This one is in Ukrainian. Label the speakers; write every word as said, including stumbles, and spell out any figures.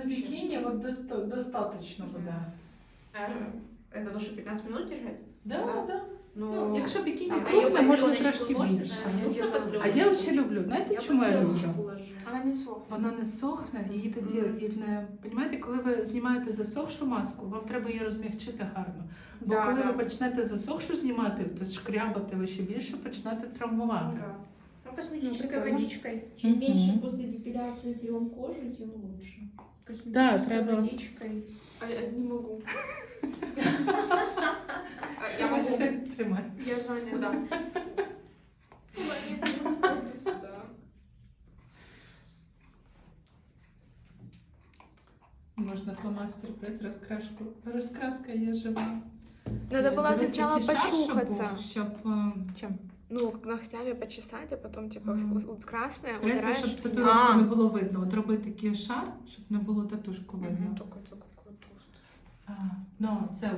Speaker 1: На бикини вот доста- достаточно буде.
Speaker 2: Это то, что пятнадцать минут держать?
Speaker 1: Да,
Speaker 2: Да.
Speaker 1: да.
Speaker 2: Ну,
Speaker 1: Ну, якщо бікіні
Speaker 2: а
Speaker 1: крупне,
Speaker 2: я
Speaker 1: можна
Speaker 2: пленочку
Speaker 1: трошки
Speaker 2: можна,
Speaker 1: більше.
Speaker 2: да, я
Speaker 3: Можна
Speaker 2: делаю.
Speaker 3: на
Speaker 1: А я взагалі люблю. Знаєте, чому я люблю?
Speaker 3: Она не сохнет.
Speaker 1: Вона не сохне, і тоді
Speaker 2: Мгм.
Speaker 1: і не понімаєте, коли ви знімаєте засохшу маску, вам треба її розмягчити гарно. Бо
Speaker 3: Да,
Speaker 1: коли
Speaker 3: да.
Speaker 1: ви почнете засохшу знімати, то шкрябати ви ще більше почнете травмувати.
Speaker 2: Да. Ну, косметической
Speaker 3: Ну, прикольно.
Speaker 2: водичкой.
Speaker 4: Чем
Speaker 1: Мгм.
Speaker 4: меньше после депиляции трем кожу, тем лучше.
Speaker 2: Косметической
Speaker 1: треба.
Speaker 2: водичкой.
Speaker 3: А я не могу. А я могу.
Speaker 1: Тримай.
Speaker 3: Я занята. Куда мне нужно? Просто сюда.
Speaker 1: Можна фломастер брати, розкрашку. Розкраска є жива.
Speaker 5: Надо
Speaker 1: Е,
Speaker 5: было
Speaker 1: дивись,
Speaker 5: сначала
Speaker 1: такий шар, щоб
Speaker 5: почухаться.
Speaker 1: був, Щоб е,
Speaker 5: Чем? Ну, ногтями почесать, а потом, типа,
Speaker 1: Мгм.
Speaker 5: у- у- красное
Speaker 1: треба,
Speaker 5: убираешь.
Speaker 1: щоб татуїровку
Speaker 5: А.
Speaker 1: не було видно. От роби такий шар, щоб не було татушку видно.
Speaker 5: Такой, такой, такой толстый.
Speaker 1: А, ну, це